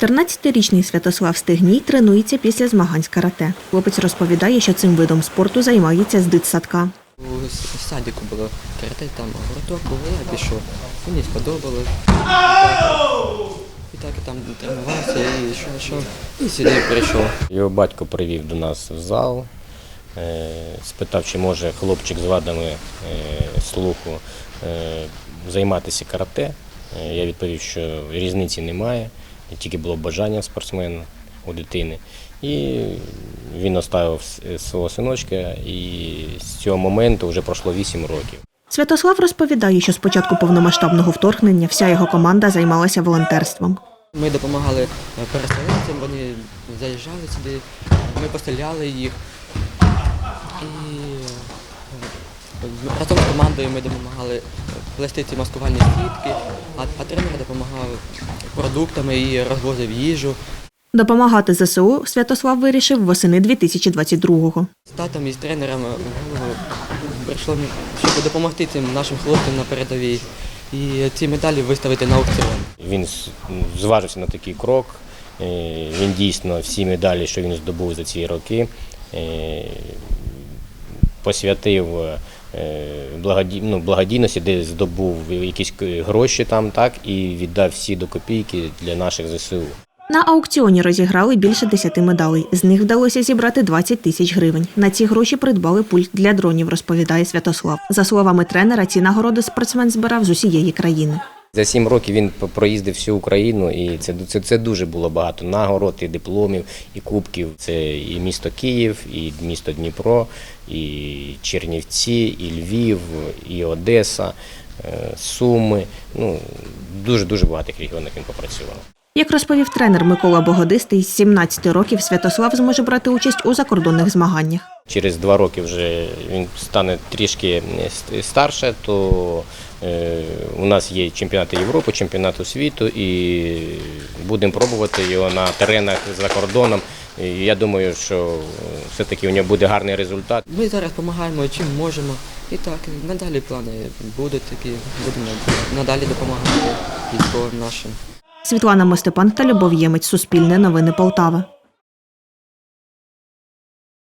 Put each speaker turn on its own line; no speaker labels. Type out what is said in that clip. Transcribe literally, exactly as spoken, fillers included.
чотирнадцятирічний Святослав Стегній тренується після змагань з карате. Хлопець розповідає, що цим видом спорту займається з дитсадка.
У садіку було карате, там гурток був, я пішов. Мені сподобалось. І так я там тренувався, і що, що, і сюди прийшов.
Його батько привів до нас в зал, спитав, чи може хлопчик з вадами слуху займатися карате. Я відповів, що різниці немає, тільки було бажання спортсмена у дитини. І він оставив свого синочка, і з цього моменту вже пройшло вісім років.
Святослав розповідає, що з початку повномасштабного вторгнення вся його команда займалася волонтерством.
Ми допомагали переселенцям, вони заїжджали сюди, ми постріляли їх. І разом з командою ми допомагали плести ці маскувальні сітки, а, а тренер допомагав продуктами і розвозив їжу.
Допомагати зе се у Святослав вирішив восени дві тисячі двадцять другого.
З татом і з тренером в голову прийшло, щоб допомогти цим нашим хлопцям на передовій і ці медалі виставити на аукціон.
Він зважився на такий крок. Він дійсно всі медалі, що він здобув за ці роки, посвятив ну, благодійності, де здобув якісь гроші там, так, і віддав всі до копійки для наших зе се у.
На аукціоні розіграли більше десяти медалей. З них вдалося зібрати двадцять тисяч гривень. На ці гроші придбали пульт для дронів, розповідає Святослав. За словами тренера, ці нагороди спортсмен збирав з усієї країни.
За сім років він проїздив всю Україну, і це, це, це дуже було багато нагород, і дипломів, і кубків. Це і місто Київ, і місто Дніпро, і Чернівці, і Львів, і Одеса, Суми. Ну, дуже-дуже багатих регіонах він попрацював.
Як розповів тренер Микола Богодистий, з сімнадцяти років Святослав зможе брати участь у закордонних змаганнях.
Через два роки вже він стане трішки старше, то у нас є чемпіонати Європи, чемпіонати світу, і будемо пробувати його на теренах за кордоном. І я думаю, що все-таки у нього буде гарний результат.
Ми зараз допомагаємо чим можемо. І так, надалі плани будуть такі, будемо надалі допомагати військовим нашим.
Світлана Мостепан та Любов Ємець. Суспільне новини Полтава.